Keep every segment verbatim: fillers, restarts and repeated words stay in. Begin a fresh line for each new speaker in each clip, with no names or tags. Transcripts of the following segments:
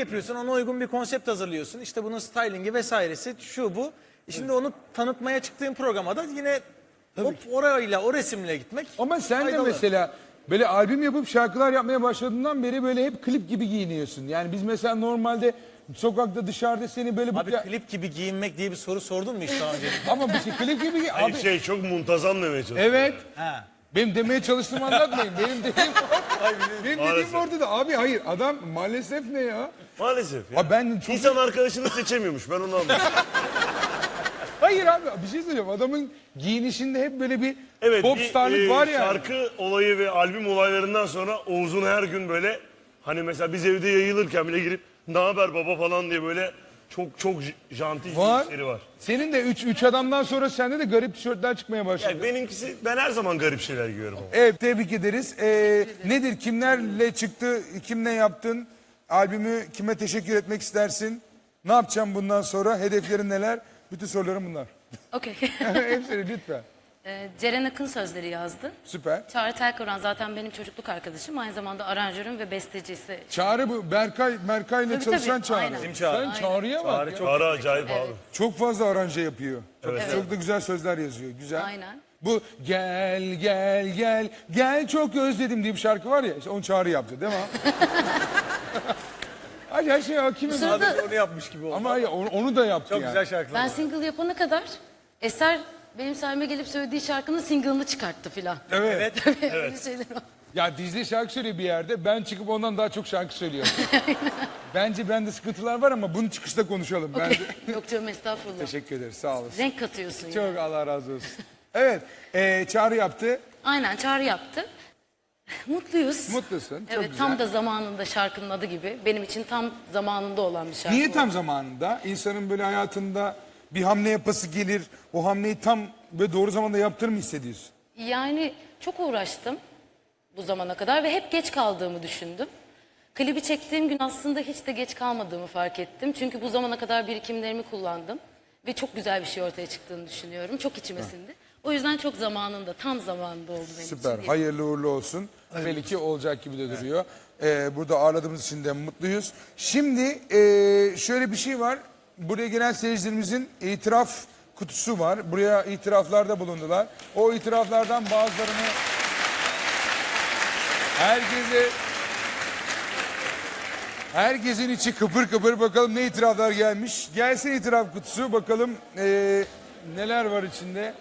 yapıyorsun, ona uygun bir konsept hazırlıyorsun. İşte bunun stylingi vesairesi, şu bu. Şimdi onu tanıtmaya çıktığın programa da yine hop orayla, o resimle gitmek
Ama sen de
faydalı.
mesela böyle albüm yapıp şarkılar yapmaya başladığından beri böyle hep klip gibi giyiniyorsun. Yani biz mesela normalde sokakta dışarıda seni böyle...
Abi
bu...
klip gibi giyinmek diye bir soru sordun mu hiç daha önce?
Ama bir şey klip gibi...
Hayır,
Abi...
şey çok muntazam demeye çalışıyor.
Evet.
Ha.
Benim demeye çalıştığımı anlatmayın. Benim dediğim, benim dediğim
Maalesef.
ortada. Abi hayır adam maalesef ne ya?
Maalesef ya.
Abi ben çok...
İnsan arkadaşını seçemiyormuş, ben onu anladım.
Hayır abi bir şey söyleyeceğim. Adamın giyinişinde hep böyle bir
Evet,
popstarlık
bir, e,
var ya.
şarkı olayı ve albüm olaylarından sonra Oğuz'un her gün böyle hani mesela biz evde yayılırken bile girip ne haber baba falan diye böyle çok çok j- janti
Var.
işleri var.
Senin de üç, üç adamdan sonra sende de garip tişörtler çıkmaya başladı.
Yani benimkisi, ben her zaman garip şeyler giyiyorum ama.
Evet tebrik ederiz. Ee, nedir kimlerle çıktı, kimle yaptın? Albümü kime teşekkür etmek istersin? Ne yapacağım bundan sonra? Hedeflerin neler? Bütün sorularım bunlar.
Okey.
Hepsini lütfen.
Ee, Ceren Akın sözleri yazdı.
Süper.
Çağrı Telkoran zaten benim çocukluk arkadaşım. Aynı zamanda aranjörüm ve bestecisi.
Çağrı bu Berkay, Berkay'la
Tabii,
çalışan
tabii,
Çağrı.
aynen.
Bizim Çağrı.
Sen Çağrı'ya bak
Çağrı
ya.
çok-
Ara acayip abi.
Çok fazla aranje yapıyor.
Evet.
Çok da güzel sözler yazıyor. Güzel.
Aynen.
Bu gel gel gel gel çok özledim diye bir şarkı var ya. İşte onu Çağrı yaptı değil mi? Ay her şey hakimim.
sırada-
Abi onu yapmış gibi oldu.
Ama hayır, onu, onu da yaptı
Çok
yani.
güzel şarkılar.
Ben single yapana kadar Eser benim sayeme gelip söylediği şarkının single'ını çıkarttı filan.
Evet.
Öyle şeyler var.
Ya Dicle şarkı söylüyor bir yerde. Ben çıkıp ondan daha çok şarkı söylüyorum. Bence bende sıkıntılar var ama bunu çıkışta konuşalım. Ben de...
Yok canım estağfurullah.
Teşekkür ederiz. Sağ olasın.
Renk katıyorsun ya.
Çok Allah razı olsun. Evet. E, Çağrı yaptı.
Aynen Çağrı yaptı. Mutluyuz.
Mutlusun. Çok
Evet
güzel.
tam da zamanında şarkının adı gibi. Benim için tam zamanında olan bir şarkı.
Niye
bu.
tam zamanında? İnsanın böyle hayatında bir hamle yapası gelir. O hamleyi tam ve doğru zamanda yaptığını mı hissediyorsun?
Yani çok uğraştım bu zamana kadar ve hep geç kaldığımı düşündüm. Klibi çektiğim gün aslında hiç de geç kalmadığımı fark ettim. Çünkü bu zamana kadar birikimlerimi kullandım. Ve çok güzel bir şey ortaya çıktığını düşünüyorum. Çok içime sindi. O yüzden çok zamanında, tam zamanında oldu benim
Süper.
için.
Hayırlı uğurlu olsun. Belli ki olacak gibi de duruyor. Ee, burada ağırladığımız için de mutluyuz. Şimdi ee, şöyle bir şey var. Buraya gelen seyircilerimizin itiraf kutusu var. Buraya itiraflarda bulundular. O itiraflardan bazılarını herkese herkesin içi kıpır kıpır, bakalım ne itiraflar gelmiş. Gelsin itiraf kutusu, bakalım ee, neler var içinde.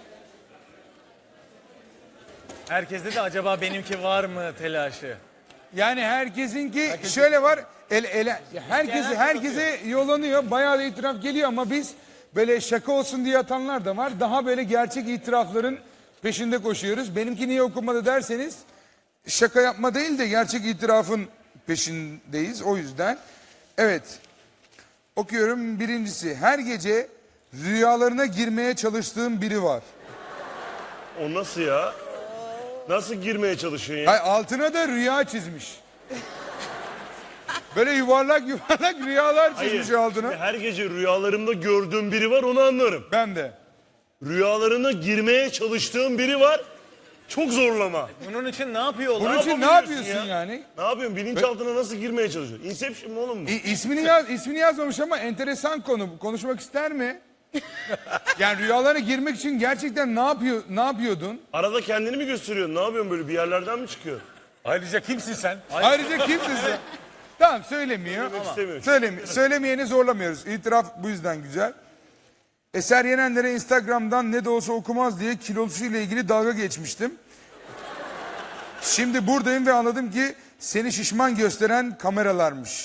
Herkeste de acaba benimki var mı telaşı?
Yani herkesinki şöyle var. El, ele, herkese,
herkes
herkese yollanıyor. Bayağı da itiraf geliyor ama biz böyle şaka olsun diye atanlar da var. Daha böyle gerçek itirafların peşinde koşuyoruz. Benimki niye okunmadı derseniz şaka yapma değil de gerçek itirafın peşindeyiz. O yüzden. Evet. Okuyorum birincisi. Her gece rüyalarına girmeye çalıştığım biri var.
O nasıl ya? Nasıl girmeye çalışıyorsun ya?
Ay, altına da rüya çizmiş. Böyle yuvarlak yuvarlak rüyalar çizmiş altına.
Şimdi her gece rüyalarımda gördüğüm biri var, onu anlarım.
Ben de.
Rüyalarına girmeye çalıştığım biri var, çok zorlama.
Bunun için ne yapıyor
Bunun
onlar?
için ne
yapabiliyorsun
yapıyorsun
ya?
yani?
Ne yapıyorsun? Bilinçaltına nasıl girmeye çalışıyorsun? Inception mu oğlum mu?
İ- ismini yaz, ismini yazmamış ama enteresan konu. Konuşmak ister mi? Yani rüyalara girmek için gerçekten ne yapıyor, ne yapıyordun?
Arada kendini mi gösteriyorsun? Ne yapıyorsun böyle, bir yerlerden mi çıkıyor?
Ayrıca kimsin sen?
Ayrıca kimsin sen? Tamam söylemiyor.
Söylemek istemiyor.
Söylemi söylemeyeni zorlamıyoruz. İtiraf bu yüzden güzel. Eser Yenenler'e Instagram'dan ne de olsa okumaz diye kilosuyla ilgili dalga geçmiştim. Şimdi buradayım ve anladım ki seni şişman gösteren kameralarmış.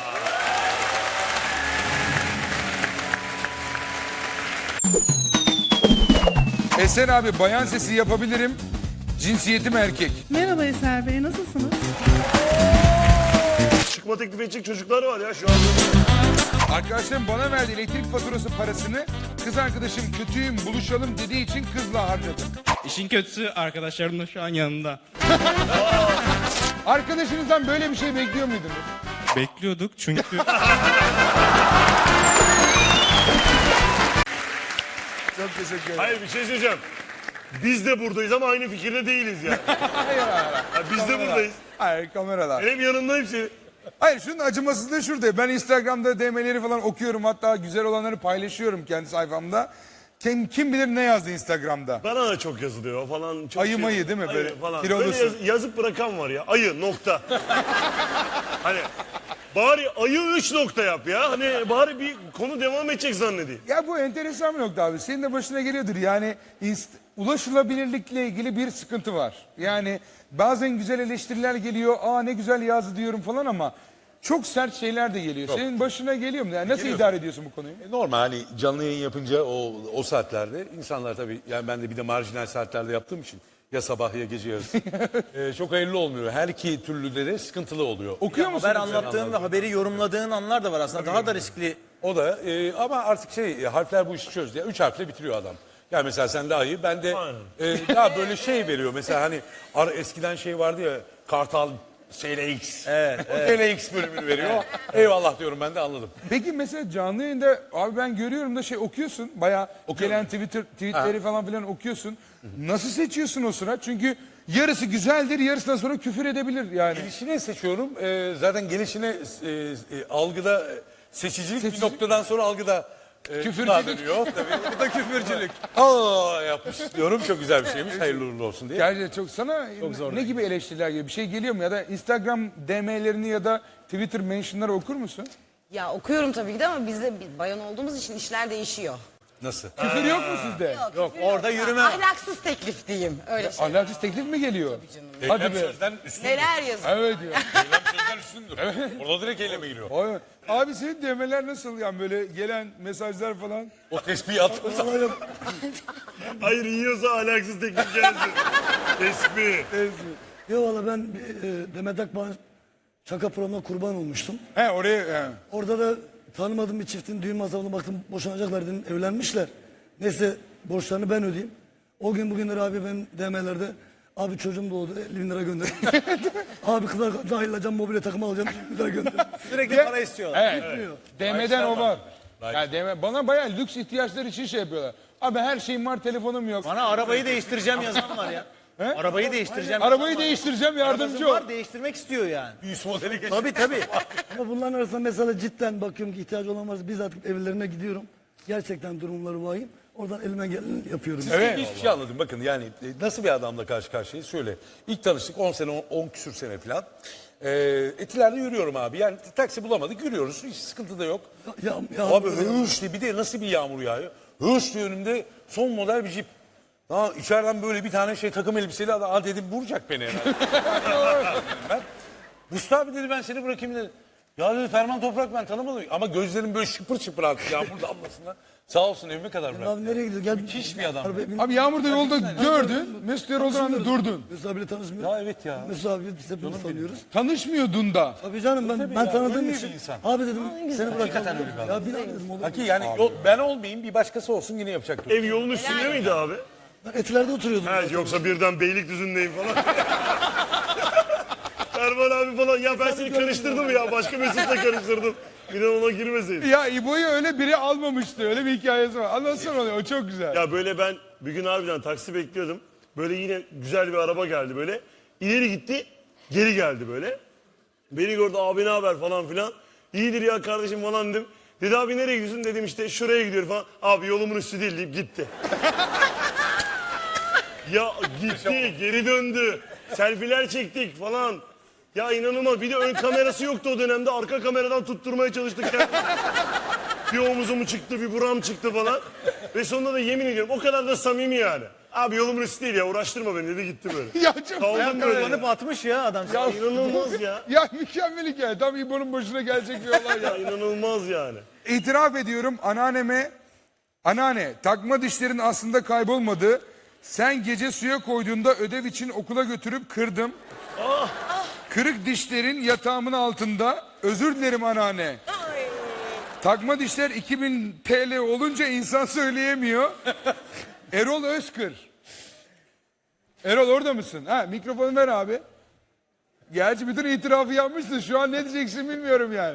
Eser abi bayan sesi yapabilirim. Cinsiyetim erkek.
Merhaba Eser Bey, nasılsınız?
Çıkma teklif edecek çocuklar var ya şu anda.
Arkadaşlarım bana verdi elektrik faturası parasını. Kız arkadaşım kötüyüm buluşalım dediği için kızla harcadım.
İşin kötüsü arkadaşlarım da şu an yanımda.
Arkadaşınızdan böyle bir şey bekliyor muydunuz?
Bekliyorduk çünkü
Çok teşekkür ederim.
Hayır, bir şey söyleyeceğim. Biz de buradayız ama aynı fikirde değiliz yani.
Hayır hayır.
Ya biz de buradayız.
Hayır kameralar.
Benim yanımdayım seni.
Hayır şunun acımasızlığı şurada. Ben Instagram'da D M'leri falan okuyorum. Hatta güzel olanları paylaşıyorum kendi sayfamda. Kim, kim bilir ne yazdı Instagram'da.
Bana da çok yazılıyor falan. Çok
Ayı mayı değil mi?
Ayı
Böyle
falan.
kilolusun.
Böyle yaz- yazıp bırakan var ya. Ayı nokta. Hani bari ayı üç nokta yap ya. Hani bari bir konu devam edecek zannedeyim.
Ya bu enteresan bir nokta abi. Senin de başına geliyordur. Yani inst- ulaşılabilirlikle ilgili bir sıkıntı var. Yani bazen güzel eleştiriler geliyor. Aa ne güzel yazdı diyorum falan ama çok sert şeyler de geliyor. Senin başına geliyor mu? Yani nasıl
Geliyor.
idare ediyorsun bu konuyu?
E, Normal hani canlı yayın yapınca o o saatlerde insanlar tabii yani ben de bir de marjinal saatlerde yaptığım için ya sabah ya gece yarısı e, çok hayırlı olmuyor. Her iki türlü de sıkıntılı oluyor.
Okuyor musun?
Haber anlattığın ve haberi yorumladığın anlar da var aslında. Daha da riskli.
O da e, ama artık şey e, harfler bu işi çözdü. Ya, üç harfle bitiriyor adam. Yani mesela sen de ayı ben de e, daha böyle şey veriyor. Mesela hani ar, eskiden şey vardı ya Kartal S L X. Evet, o S L X bölümünü veriyor. Eyvallah diyorum ben de anladım.
Peki mesela canlı yayında abi ben görüyorum da şey okuyorsun. Bayağı gelen Twitter tweetleri falan filan okuyorsun. Nasıl seçiyorsun o sıra? Çünkü yarısı güzeldir, yarısından sonra küfür edebilir yani.
Gelişine seçiyorum. E, zaten gelişine e, e, algıda e, seçicilik
Seçici-
bir noktadan sonra algıda e,
Küfürcülük.
gıda dönüyor. Tabii bu da küfürcülük. Aa yapmış diyorum çok güzel bir şeymiş. Hayırlı uğurlu olsun diye.
Gerçi çok sana ne gibi eleştiriler geliyor? Bir şey geliyor mu? Ya da Instagram D M'lerini ya da Twitter mentionları okur musun?
Ya okuyorum tabii ki de ama biz de biz bayan olduğumuz için işler değişiyor.
Nasıl?
Küfür yok mu sizde?
Yok orada yürüme.
Ahlaksız teklif diyeyim. Öyle şey.
Ahlaksız teklif mi geliyor? Hadi
Eylem
be.
sözden üstündür.
Neler yazıyor?
Evet ya.
Eylem sözden üstündür. Orada direkt eyleme giriyor.
Abi, abi senin D M'ler nasıl yani böyle gelen mesajlar falan?
O tespihi attığın zaman.
Hayır yiyorsa ahlaksız teklif gelsin. Tespih.
Yo valla ben e, Demet Akbağ'ın şaka programına kurban olmuştum.
He oraya he.
Orada da tanımadığım bir çiftin düğün masrafına baktım boşanacaklar dedim evlenmişler. Neyse borçlarını ben ödeyeyim. O gün bugünler abi ben D M'lerde abi çocuğum doğdu elli bin lira gönder. abi kızlar dahil mobilya takımı alacağım elli bin lira gönder.
Sürekli para istiyorlar.
Evet. D M'den o var. Yani D M, bana bayağı lüks ihtiyaçlar için şey yapıyorlar. Abi her şeyim var telefonum yok.
Bana arabayı değiştireceğim yazan var ya. Arabayı değiştireceğim.
Arabayı değiştireceğim yardımcı
Arabası
ol.
var değiştirmek istiyor yani.
Üst modeli geçti.
Tabii tabii.
Ama bunların arasında mesela cidden bakıyorum ki ihtiyacı olan varsa bizzat evlerine gidiyorum. Gerçekten durumları vahim. Oradan elime geleni yapıyorum.
Evet. Hiçbir şey anladım. Bakın yani e, nasıl bir adamla karşı karşıyayız? Şöyle. İlk tanıştık on sene, on küsür sene falan. Ee, Etiler'de yürüyorum abi. Yani taksi bulamadık yürüyoruz. Hiç sıkıntı da yok.
Ya, ya,
Abi hırs diye bir de nasıl bir yağmur yağıyor. Hırs diye önümde son model bir jip. Ha, içeriden böyle bir tane şey takım elbiseli adam. Ha dedim vuracak beni herhalde. ben, Mustafa abi dedi ben seni bırakayım dedi. Ya dedi Ferman Toprak ben tanımadım. Ama gözlerim böyle şıpır şıpır artık yağmur damlasına. Sağ olsun evime kadar bıraktı.
Abi nereye gidiyor? Gel.
Müthiş bir adam.
Abi yağmurda yolda gördün. Mesut Erol'dan anda durdun.
Mesut abiyle tanışmıyor.
Ya evet ya.
Mesut abi biz hepimiz tanıyoruz.
Tanışmıyordun da.
Tabii canım ben, ben tanıdığım
öyle
için.
bir insan.
Abi dedim seni bırakalım. Ya bir daha dedim olur.
Haki yani yol- ben olmayayım bir başkası olsun yine yapacaktır.
Ev yolun üstünde miydi abi?
Ben Etiler'de oturuyordum.
Ha, yoksa birden Beylikdüzü'ndeyim falan. Erman abi falan ya ben seni karıştırdım ya başka Mesut'la karıştırdım. Bir de ona girmeseydin.
Ya İbo'yu öyle biri almamıştı. Öyle bir hikayesi var. Anlatsana onu. O çok güzel.
Ya böyle ben bir gün harbiden taksi bekliyordum. Böyle yine güzel bir araba geldi böyle. İleri gitti, geri geldi böyle. Beni gördü abi ne haber falan filan. İyidir ya kardeşim falan dedim. Dedi abi nereye gidiyorsun dedim işte şuraya gidiyorum falan. Abi yolumun üstü değil deyip gitti. ya gitti geri döndü. Selfiler çektik falan. Ya inanılmaz bir de ön kamerası yoktu o dönemde. Arka kameradan tutturmaya çalıştık. kendimizi. Bir omuzumu çıktı bir buram çıktı falan. Ve sonunda da yemin ediyorum o kadar da samimi yani. Abi yolumun üstü değil ya uğraştırma beni dedi gitti böyle.
Ya çok
Kaldım böyle.
Kullanıp atmış ya adam.
Ya inanılmaz ya.
Ya mükemmel hikaye. Tam İbo'nun başına gelecek bir olay ya.
Ya inanılmaz yani.
İtiraf ediyorum anneanneme, anneanne takma dişlerin aslında kaybolmadı. Sen gece suya koyduğunda ödev için okula götürüp kırdım. Kırık dişlerin yatağımın altında. Özür dilerim anneanne. Takma dişler iki bin T L olunca insan söyleyemiyor. Erol Özkır. Erol orada mısın? Ha mikrofonu ver abi. Gerçi bütün itirafı yapmışsın. Şu an ne diyeceksin bilmiyorum yani.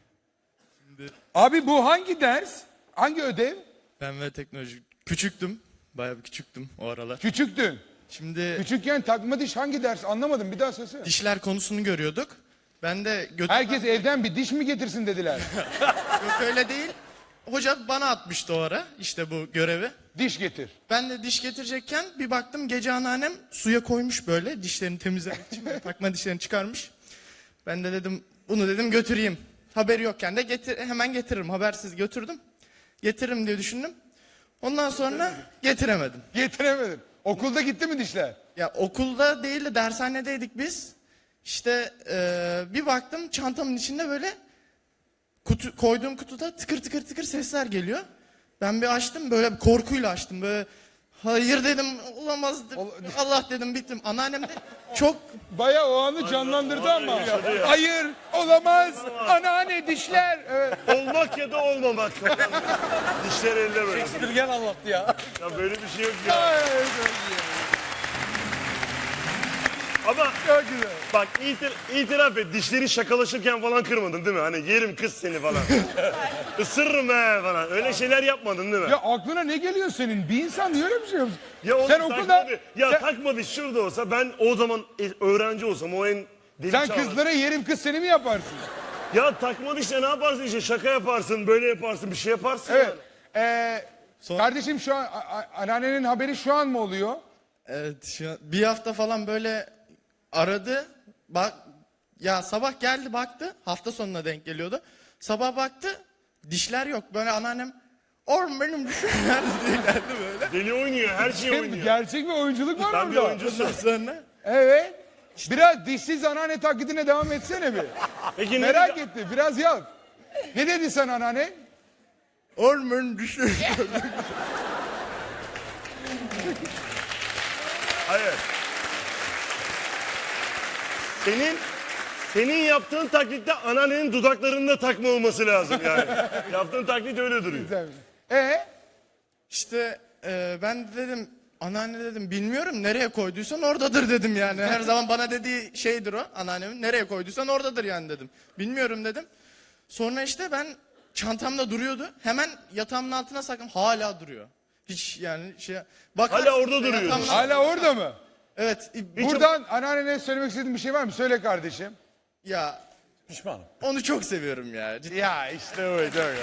Abi bu hangi ders? Hangi ödev?
Ben ve teknoloji küçüktüm. Bayağı bir küçüktüm o aralar.
Küçüktün.
Şimdi
Küçükken takma diş hangi ders anlamadım bir daha söylesene.
dişler konusunu görüyorduk. Ben de götür...
Herkes evden bir diş mi getirsin dediler.
Yok öyle değil. Hoca bana atmıştı o ara işte bu görevi.
Diş getir.
Ben de diş getirecekken bir baktım gece anneannem suya koymuş böyle dişlerini temizlemek için. Böyle takma dişlerini çıkarmış. Ben de dedim bunu dedim götüreyim. Haberi yokken de getir, hemen getiririm, habersiz götürdüm. Getiririm diye düşündüm. Ondan sonra getiremedim.
Getiremedim. Okulda gitti mi dişler?
Ya okulda değil de dershanedeydik biz. İşte eee, bir baktım çantamın içinde böyle kutu, koyduğum kutuda tıkır tıkır tıkır sesler geliyor. Ben bir açtım böyle bir korkuyla açtım böyle. Hayır dedim olamaz dedim. Allah dedim bittim. Anneannem de çok
Bayağı o anı canlandırdı ama. Hayır olamaz. Anneanne dişler. Evet.
Olmak ya da olmamak. Dişler elde böyle.
Gel anlattı ya.
Ya böyle bir şey yok ya. Ama
Çok güzel.
bak itir, itiraf et, dişleri şakalaşırken falan kırmadın değil mi? Hani yerim kız seni falan. Isırırım he falan. Öyle şeyler yapmadın değil mi?
Ya aklına ne geliyor senin? Bir insan niye öyle bir şey yapsın?
Ya onu
Sen okulda...
takmadı. Ya
sen,
takmadı şurada olsa ben o zaman e- öğrenci olsam o en deli
sen
çağlar.
kızlara yerim kız seni mi yaparsın?
Ya takmadı işte ne yaparsın işte şaka yaparsın böyle yaparsın bir şey yaparsın.
Evet.
yani.
Ee, Kardeşim şu an a- a- anneannenin haberi şu an mı oluyor?
evet şu an- bir hafta falan böyle aradı. Bak ya sabah geldi baktı. Hafta sonuna denk geliyordu. Sabah baktı. Dişler yok. Böyle anneannem oğlum benim dişim nerede diye geldi böyle.
Deli oynuyor her şey oynuyor.
Gerçek bir oyunculuk var
Ben bir
orada.
oyuncusun.
Ondan sonra
Evet. Biraz dişsiz anneanne taklidine devam etsene bir.
Peki ne
Merak
dedi?
etti. Biraz yap. Ne dedi sen anneanne?
oğlum benim dişim.
Hayır. Senin senin yaptığın taklitte anneannenin dudaklarında takma olması lazım yani. Yaptığın taklit öyle duruyor.
Ee?
İşte e, ben de dedim anneanne dedim bilmiyorum nereye koyduysan oradadır dedim yani. Her zaman bana dediği şeydir o anneannemin nereye koyduysan oradadır yani dedim. Bilmiyorum dedim. Sonra işte ben çantamda duruyordu. Hemen yatağımın altına sakladım. Hala duruyor. Hiç yani şey... Bakarsın,
Hala orada duruyor.
yatağımın-
Hala orada mı?
Evet.
Buradan anneannene söylemek istediğin bir şey var mı? Söyle kardeşim.
Ya
Pişmanım.
onu çok seviyorum ya. Cidden.
Ya işte öyle. öyle.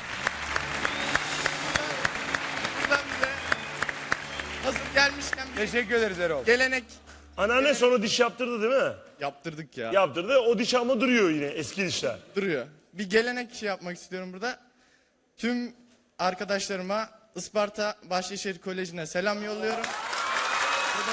Buradan bir de hazır gelmişken bir
Teşekkür ederiz Erol.
gelenek
Anneanne sonra diş yaptırdı değil mi?
yaptırdık ya.
Yaptırdı. O diş ama duruyor yine eski dişler.
Duruyor. Bir gelenek şey yapmak istiyorum burada. Tüm arkadaşlarıma Isparta Bahçeşehir Koleji'ne selam yolluyorum. Burada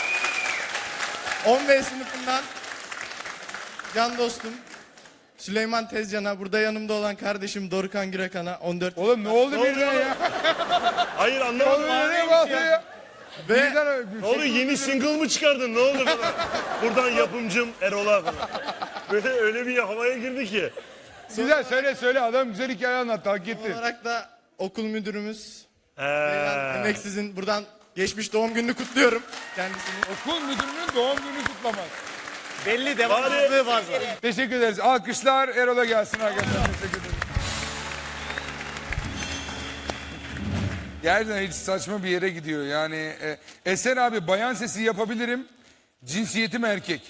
on beş sınıfından can dostum Süleyman Tezcan'a, burada yanımda olan kardeşim Dorukhan Gürekan'a on dört
Oğlum ne oldu birden ya?
Hayır
Oğlum
anlamadım.
nereye bağlı ya?
ve
Birden öyle bir
Ne
şey-
oldu yeni single mı çıkardın ne oldu falan. Buradan yapımcım Erol'a falan. Böyle öyle bir havaya girdi ki.
Güzel söyle söyle adam güzel hikaye anlattı hak etti.
olarak da okul müdürümüz
He.
Emeksiz'in buradan geçmiş doğum gününü kutluyorum kendisini.
Okul müdürünün doğum günü kutlamak.
Belli devamlılığı var zaten.
Teşekkür ederiz. Alkışlar Erol'a gelsin arkadaşlar. Teşekkür ederiz. Gerçekten hiç saçma bir yere gidiyor. Yani e, Esen abi bayan sesi yapabilirim. Cinsiyetim erkek.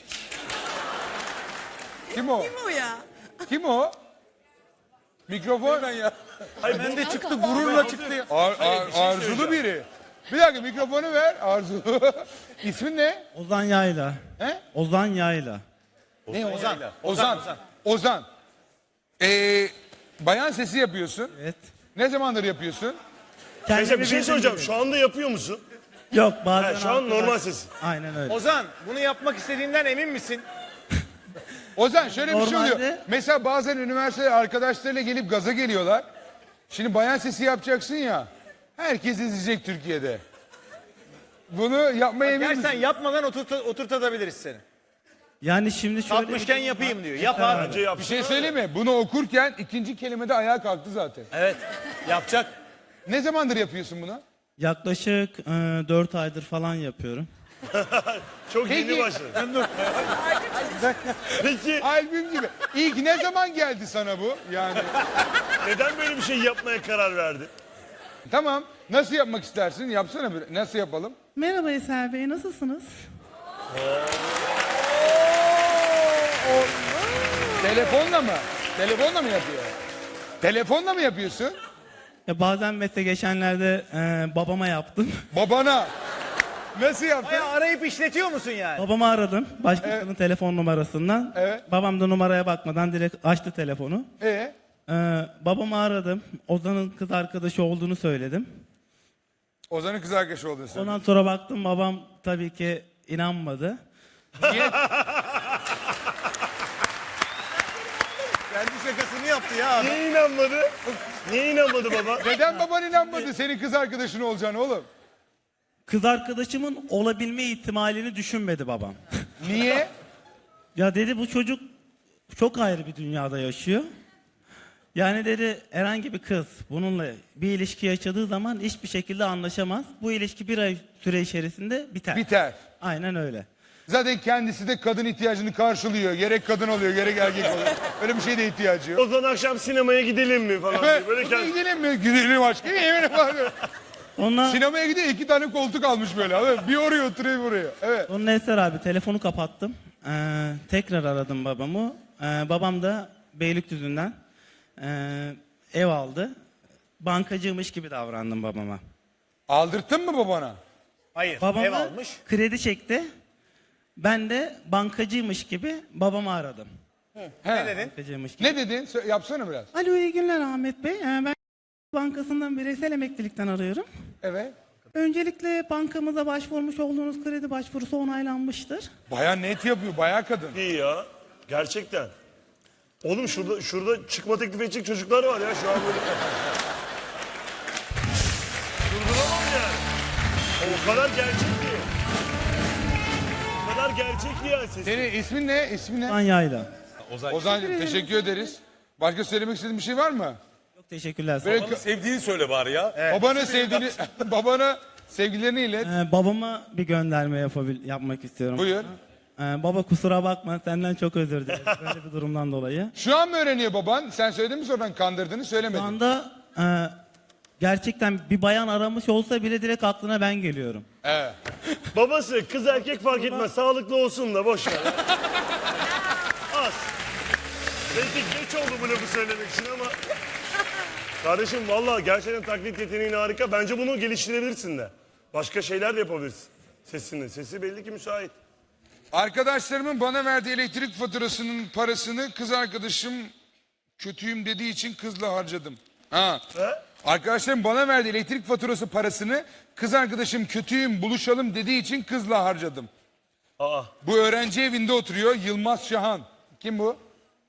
Kim o?
Kim o ya?
Kim o? Mikrofon. Ben ya.
Hayır ben de çıktı gururla çıktı ya.
Ar, ar- arzulu biri. Bir dakika mikrofonu ver. Arzulu. İsmin ne?
Ozan Yayla.
He?
Ozan Yayla.
Ne Ozan? Ozan. Ozan. Ozan. Ee, bayan sesi yapıyorsun.
Evet.
Ne zamandır yapıyorsun?
Neyse bir şey
bildiğim
soracağım.
gibi.
Şu anda yapıyor musun?
Yok bazen
He, şu an
arkadaş-
normal ses.
Aynen öyle.
Ozan bunu yapmak istediğinden emin misin?
Ozan şöyle bir şey oluyor.
Normalde-
Mesela bazen üniversite arkadaşlarıyla gelip gaza geliyorlar. Şimdi bayan sesi yapacaksın ya. Herkes izleyecek Türkiye'de. Bunu yapmaya emin
Gerçekten
misin?
yapmadan oturt oturtabiliriz seni.
Yani şimdi şöyle
Kalkmışken
bir durum
yapayım
var.
diyor. Yap
Beraber.
abi.
Bence yap.
Bir şey söyleyeyim mi? Bunu okurken ikinci kelimede ayağa kalktı zaten.
Evet. Yapacak.
Ne zamandır yapıyorsun bunu?
Yaklaşık dört aydır falan yapıyorum.
Çok
Peki.
yeni başladı. Peki
Albüm gibi. İlk ne zaman geldi sana bu? Yani
neden böyle bir şey yapmaya karar verdin?
tamam. Nasıl yapmak istersin? Yapsana bir. Nasıl yapalım?
Merhaba Eser Bey, nasılsınız?
Olmaz. Telefonla mı? Telefonla mı yapıyor? Telefonla mı yapıyorsun?
Ya bazen mesela geçenlerde e, babama yaptım.
Babana. Nasıl yaptın?
Bayağı arayıp işletiyor musun yani?
Babamı aradım başkasının telefon numarasından.
Evet.
Babam da numaraya bakmadan direkt açtı telefonu.
Ee?
Ee, babamı aradım. Ozan'ın kız arkadaşı olduğunu söyledim.
Ozan'ın kız arkadaşı olduğunu söyledi.
Ondan sonra baktım babam tabii ki inanmadı.
Niye?
Kendi şakasını yaptı ya adam.
Niye inanmadı? Niye inanmadı baba?
Neden baban inanmadı senin kız arkadaşın olacağını oğlum?
Kız arkadaşımın olabilme ihtimalini düşünmedi babam.
Niye?
Ya dedi bu çocuk çok ayrı bir dünyada yaşıyor. Yani dedi herhangi bir kız bununla bir ilişki yaşadığı zaman hiçbir şekilde anlaşamaz. Bu ilişki bir ay süre içerisinde biter.
Biter.
Aynen öyle.
Zaten kendisi de kadın ihtiyacını karşılıyor. Gerek kadın oluyor, gerek erkek oluyor. Öyle bir şeye de ihtiyacı yok.
O zaman akşam sinemaya gidelim mi falan diye. Böyle
Evet.
kendi...
Gidelim mi? Gidelim aşkım. Yemin var.
Ondan,
Sinemaya gidiyor, iki tane koltuk almış böyle. Abi. Bir oraya oturuyor, buraya. Evet.
Onun Eser abi telefonu kapattım. Ee, tekrar aradım babamı. Ee, babam da Beylikdüzü'nden ee, ev aldı. Bankacıymış gibi davrandım babama.
Aldırttın mı babana?
Hayır,
Babam
ev
da
almış.
kredi çekti. Ben de bankacıymış gibi babamı aradım.
He.
Ne dedin?
Bankacıymış gibi.
Ne dedin? Sö- Yapsana biraz.
Alo iyi günler Ahmet Bey. Ee, ben bankasından bireysel emeklilikten arıyorum.
Evet.
Öncelikle bankamıza başvurmuş olduğunuz kredi başvurusu onaylanmıştır.
Bayağı net yapıyor, bayağı kadın.
İyi ya. Gerçekten. Oğlum şurada şurada çıkma teklif edecek çocuklar var ya şu an böyle. Durduramam yani. O kadar gerçek ki. O kadar gerçek ki yani sesi.
Senin ismin ne? İsmin ne?
Anyayla.
Ozan'cığım teşekkür ederiz. Başka söylemek istediğin bir şey var mı?
Çok teşekkürler.
Böyle
Babanı sevdiğini söyle bari ya.
babana sevdiğini, babana sevgilerini ilet.
Ee, babama bir gönderme yapabil yapmak istiyorum.
Buyur.
Ee, baba kusura bakma senden çok özür dilerim böyle bir durumdan dolayı.
Şu an mı öğreniyor baban? Sen söyledin mi sonradan kandırdığını
Şu
söylemedin.
anda e, gerçekten bir bayan aramış olsa bile direkt aklına ben geliyorum.
Evet.
Babası kız erkek fark etmez. Sağlıklı olsun da boş ver. Az. Belki geç oldu bu lafı söylemek için ama. Kardeşim vallahi gerçekten taklit yeteneğin harika. Bence bunu geliştirebilirsin de. Başka şeyler de yapabilirsin. Sesini. Sesi belli ki müsait.
Arkadaşlarımın bana verdiği elektrik faturasının parasını kız arkadaşım kötüyüm dediği için kızla harcadım. Ha.
He?
Arkadaşlarım bana verdiği elektrik faturası parasını kız arkadaşım kötüyüm buluşalım dediği için kızla harcadım.
Aa.
Bu öğrenci evinde oturuyor Yılmaz Şahan. Kim bu?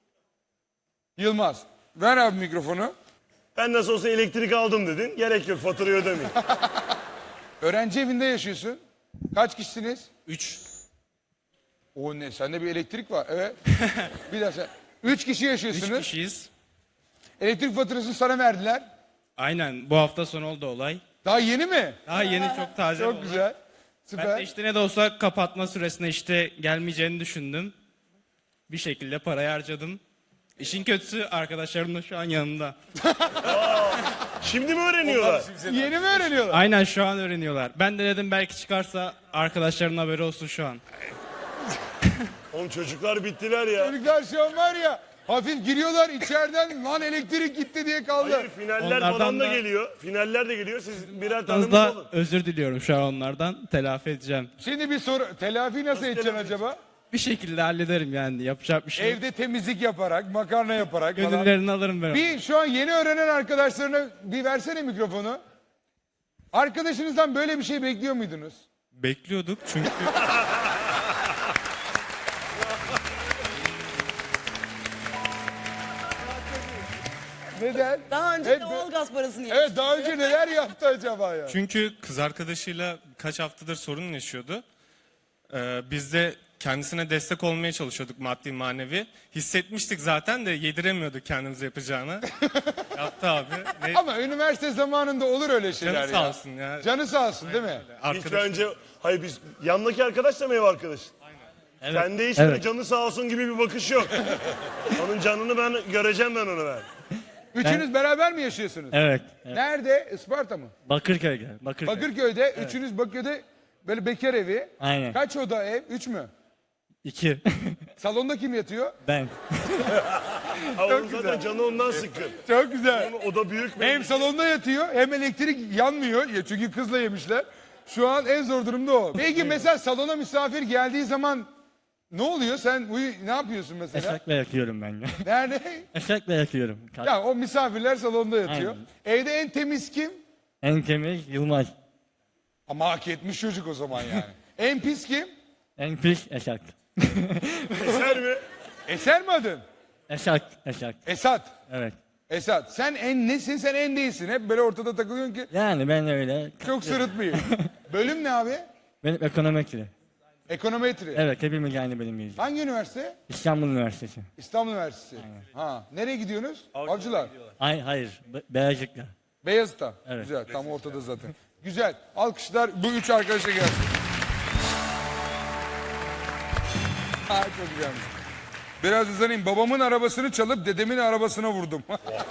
Yılmaz. Ver abi mikrofonu.
Ben nasıl olsa elektrik aldım dedin. Gerek yok faturayı ödemeyin.
Öğrenci evinde yaşıyorsun. Kaç kişisiniz?
Üç.
O ne? Sende bir elektrik var. Evet. Bir daha sen. Üç kişi
Üç
yaşıyorsunuz.
kişiyiz.
Elektrik faturasını sana verdiler.
Aynen bu hafta sonu oldu olay.
Daha yeni mi?
Daha yeni çok taze bir
Çok
olay.
güzel.
Ben
Süper.
de işte ne de olsa kapatma süresine işte gelmeyeceğini düşündüm. Bir şekilde parayı harcadım. İşin kötüsü arkadaşlarım da şu an yanında.
Şimdi mi öğreniyorlar?
Yeni mi öğreniyorlar?
Aynen şu an öğreniyorlar. Ben de dedim belki çıkarsa arkadaşlarının haberi olsun şu an.
Oğlum çocuklar bittiler ya.
Çocuklar şu an var ya hafif giriyorlar içeriden lan elektrik gitti diye kaldı.
Hayır finaller
Onlardan
falan da,
da-
geliyor. Finaller de geliyor. Siz birer tane
Az
mi
da
alın?
özür diliyorum şu an onlardan. Telafi edeceğim.
Şimdi bir soru. Telafi nasıl edeceksin
telafi
acaba?
Bir şekilde hallederim yani yapacak bir şey yok.
Evde temizlik yaparak, makarna yaparak falan.
Gönüllerini alırım ben.
Bir şu an yeni öğrenen arkadaşlarına bir versene mikrofonu. Arkadaşınızdan böyle bir şey bekliyor muydunuz?
Bekliyorduk çünkü
Neden?
Daha önce
Evet,
de
be-
doğalgaz parasını yemiş.
Evet daha önce neler yaptı acaba ya?
Çünkü kız arkadaşıyla kaç haftadır sorun yaşıyordu. Ee, biz de kendisine destek olmaya çalışıyorduk maddi manevi. Hissetmiştik zaten de yediremiyorduk kendimize yapacağını. Yaptı abi. Ve
Ama üniversite zamanında olur öyle şeyler
canı
ya.
sağ olsun ya.
Canı sağ olsun değil mi?
Hiç
Arkadaş,
bence... Hayır biz... Yanındaki arkadaş da mı ev arkadaş?
evet.
Sende hiç
Evet.
böyle canı sağ olsun gibi bir bakış yok. Onun canını ben göreceğim ben onu ben.
Üçünüz beraber mi yaşıyorsunuz?
Evet.
Nerede? Isparta mı?
Bakırköy. Bakırköy.
Bakırköy'de. Üçünüz Bakırköy'de böyle bekar evi.
Aynen.
Kaç oda ev? Üç mü?
İki.
Salonda kim yatıyor?
Ben.
Ha, onun zaten canı ondan sıkkın.
Çok güzel.
O da büyük
Hem salonda yatıyor hem elektrik yanmıyor. Ya çünkü kızla yemişler. Şu an en zor durumda o. Peki mesela salona misafir geldiği zaman ne oluyor? Sen uyu, ne yapıyorsun mesela?
Eşekle yakıyorum ben ya.
Nerede?
Eşekle yakıyorum.
Ya o misafirler salonda yatıyor.
Aynen.
Evde en temiz kim?
En temiz Yılmaz.
Ama hak etmiş çocuk o zaman yani. En pis kim?
En pis Eşek.
Eser mi?
Eser mi adın?
Eşek, Eşek.
Esat.
Evet.
Esat. Sen en nesin? Sen en değilsin. Hep böyle ortada takılıyorsun ki
Yani ben öyle.
çok sırıtmayayım. Bölüm ne abi?
Benim ekonometri.
Ekonometri.
Evet, hepimiz aynı bölümdeyiz.
Hangi üniversite?
İstanbul Üniversitesi.
İstanbul Üniversitesi. Ha, nereye gidiyorsunuz? Avcılar.
Ay, hayır, Be- Beyazıt'la.
Beyazıt'ta.
Evet.
Güzel, tam ortada zaten. Güzel. Alkışlar bu üç arkadaşa gelsin. Ha, çok güzelmiş. Biraz uzanayım. Babamın arabasını çalıp dedemin arabasına vurdum.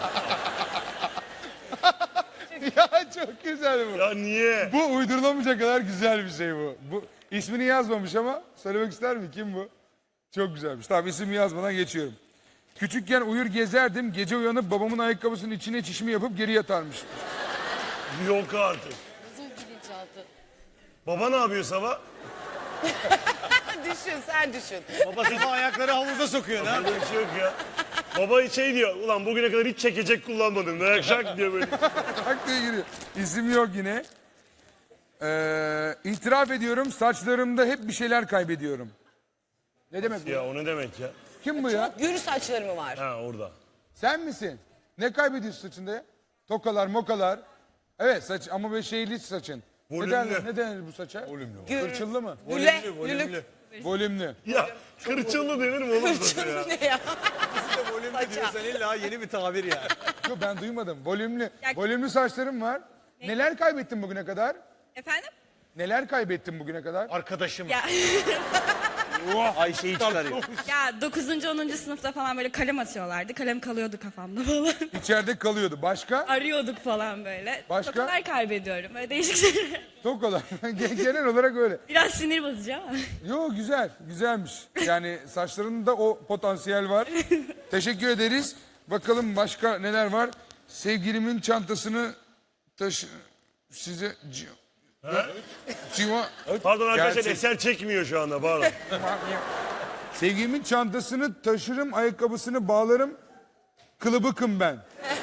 Ya çok güzel bu.
Ya niye?
Bu uydurulamayacak kadar güzel bir şey bu. Bu ismini yazmamış ama söylemek ister mi? Kim bu? Çok güzelmiş. Tamam, ismini yazmadan geçiyorum. Küçükken uyur gezerdim. Gece uyanıp babamın ayakkabısının içine çişimi yapıp geri yatarmış.
Yok artık.
Nasıl bilinçaltı?
Baba ne yapıyor sabah?
Düşün sen düşün.
Baba sabah ayakları havuza sokuyor lan.
Öyle bir şey yok ya. Baba şey diyor, ulan bugüne kadar hiç çekecek kullanmadım. Dayak şak diyor böyle.
Tak diye giriyor. İsim yok yine. Ee, itiraf ediyorum, saçlarımda hep bir şeyler kaybediyorum. Ne demek bu?
Ya o ne demek ya?
Kim bu ya?
Gür saçlarımı var.
Ha orada.
Sen misin? Ne kaybediyorsun saçında ya? Tokalar, mokalar. Evet saç ama böyle şeyli saçın. Ne
Volümlü.
derler, ne denir bu saça? Volümlü.
Gür,
mı?
güle, lülük.
Volümlü.
Ya kırçıllı denir mi oğlum sana ya?
Ne ya?
Volümlü diyorsan illa yeni bir tabir ya.
Yok ben duymadım. Volümlü. Volümlü saçlarım var. Neler kaybettin bugüne kadar?
Efendim?
Neler kaybettin bugüne kadar?
Arkadaşım.
Ya,
Ayşe'yi çıkarıyor.
ya dokuzuncu onuncu sınıfta falan böyle kalem atıyorlardı. Kalem kalıyordu kafamda falan.
İçeride kalıyordu. Başka?
Arıyorduk falan böyle.
Başka?
Tokalar kaybediyorum. Böyle değişik şeyler.
Tokalar. Genel olarak öyle.
Biraz sinir bozucu ama.
Yo güzel, güzelmiş. Yani saçlarında o potansiyel var. Teşekkür ederiz. Bakalım başka neler var? Sevgilimin çantasını taşı... Size... ci- Civa...
Pardon arkadaşlar
Gerçek.
eser çekmiyor şu anda pardon.
Sevgilimin çantasını taşırım, ayakkabısını bağlarım. Kılıbıkım ben.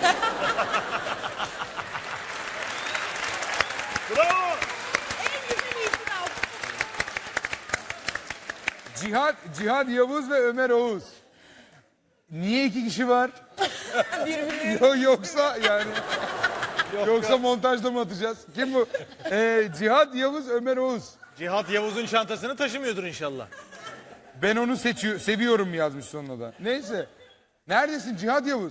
Bravo.
Cihat, Cihat Yavuz ve Ömer Oğuz. Niye iki kişi var? Yo, yoksa yani... Yoksa montajda mı atacağız? Kim bu? Ee, Cihat Yavuz, Ömer Oğuz.
Cihat Yavuz'un çantasını taşımıyordur inşallah.
Ben onu seçiyor, seviyorum yazmış sonuna da. Neyse. Neredesin Cihat Yavuz?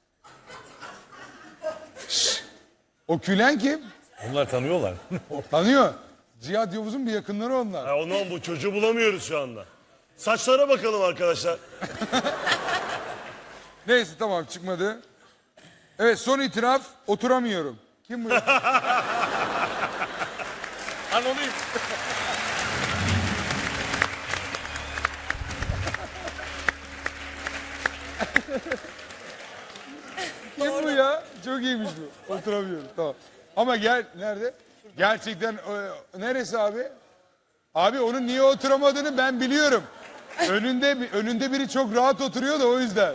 Şşş! O külen kim?
Onlar tanıyorlar.
Tanıyor. Cihat Yavuz'un bir yakınları onlar.
Ya ondan bu çocuğu bulamıyoruz şu anda. Saçlara bakalım arkadaşlar.
Neyse tamam çıkmadı. Evet son itiraf oturamıyorum. Kim bu?
Anonim.
Kim bu ya? Çok iyiymiş bu. Oturamıyorum. Tamam. Ama gel nerede? Gerçekten e, neresi abi? Abi onun niye oturamadığını ben biliyorum. Önünde önünde biri çok rahat oturuyor da o yüzden.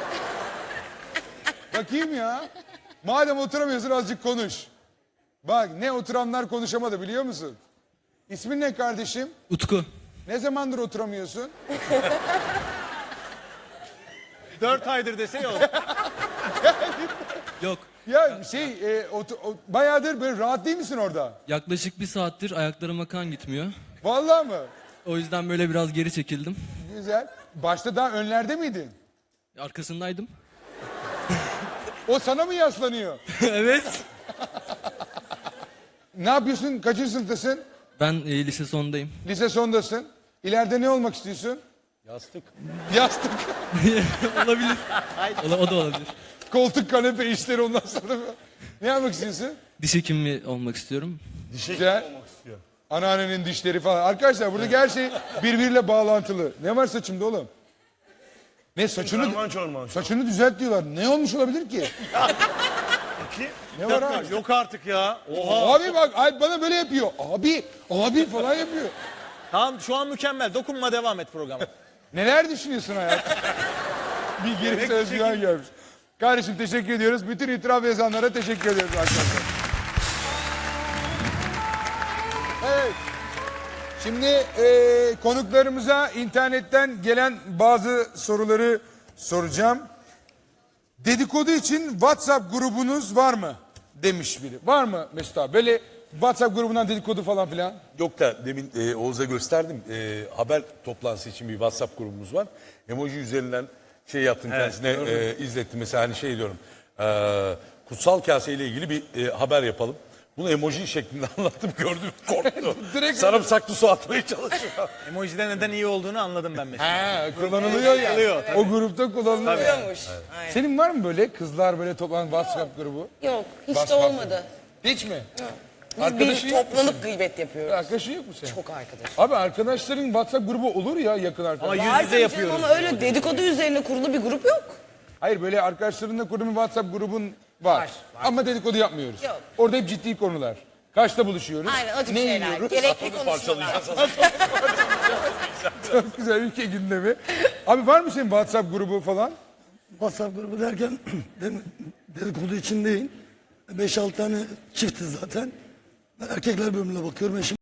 Bakayım ya. Madem oturamıyorsun azıcık konuş. Bak ne oturanlar konuşamadı biliyor musun? İsmin ne kardeşim?
Utku.
Ne zamandır oturamıyorsun?
Dört aydır dese yok.
Yok.
Ya şey e, otu- o- bayağıdır böyle rahat değil misin orada?
Yaklaşık bir saattir ayaklarıma kan gitmiyor.
Vallahi mı?
O yüzden böyle biraz geri çekildim.
Güzel. Başta daha önlerde miydin?
Arkasındaydım.
O sana mı yaslanıyor?
Evet.
Ne yapıyorsun? Kaçıncı sınıftasın?
Ben e, lise sondayım.
Lise sondasın. İleride ne olmak istiyorsun?
Yastık.
Yastık,
Olabilir. O, o da olabilir.
koltuk, kanepe işleri ondan sonra. Ne yapmak istiyorsun?
Diş hekimi olmak istiyorum.
Güzel. Anneannenin dişleri falan. Arkadaşlar buradaki her şey birbiriyle bağlantılı. Ne var saçımda oğlum? Ne saçını
Karman çorman.
saçını düzelt diyorlar. Ne olmuş olabilir ki?
Ki,
Ne var abi?
Yok artık ya. Oha.
Abi bak ay bana böyle yapıyor. Abi, abi falan yapıyor.
Tamam şu an mükemmel. Dokunma devam et programa.
Neler düşünüyorsun hayatım? Bir gereksiz özgüven gelmiş. Kardeşim teşekkür ediyoruz. Bütün itiraf yazanlara teşekkür ediyoruz arkadaşlar. Evet. Şimdi e, konuklarımıza internetten gelen bazı soruları soracağım. Dedikodu için WhatsApp grubunuz var mı? Demiş biri. Var mı Mesut abi? Böyle WhatsApp grubundan dedikodu falan filan.
Yok da demin e, Oğuz'a gösterdim. E, haber toplantısı için bir WhatsApp grubumuz var. Emoji üzerinden şey yaptım kendisine e, izlettim. Mesela hani şey diyorum. E, kutsal kase ile ilgili bir e, haber yapalım. Bunu emoji şeklinde anlattım, gördüm, korktu.
Direkt-
Sarımsaklı su atmaya çalışıyor.
Emojide neden iyi olduğunu anladım ben mesela.
Ha, kullanılıyor ya.
Kullanılıyor, tabii.
O grupta kullanılıyor.
Oluyormuş. Aynen.
Senin var mı böyle kızlar böyle toplanan WhatsApp grubu?
Yok hiç
Bas
de
bak.
olmadı.
Hiç mi?
Biz
Arkadaşın
bir
yok mu
toplanıp gıybet yapıyoruz.
Arkadaşın yok mu senin?
Çok arkadaş.
Abi arkadaşların WhatsApp grubu olur ya yakın arkadaş.
Ama yüz
Var
yüze
tabii
yapıyoruz.
canım ama öyle dedikodu üzerine kurulu bir grup yok.
Hayır böyle arkadaşlarınla kurduğun bir WhatsApp grubun var.
Var,
Ama dedikodu yapmıyoruz.
Yok.
Orada hep ciddi konular. Kaçta buluşuyoruz?
Aynen o tip
ne
şeyler.
yiyoruz?
Gerekli konuşmalar.
Çok güzel ülke gündemi. Abi var mı senin WhatsApp grubu falan?
WhatsApp grubu derken dem- dedikodu için değil. beş altı tane çiftiz zaten. Ben erkekler bölümüne bakıyorum. Eşim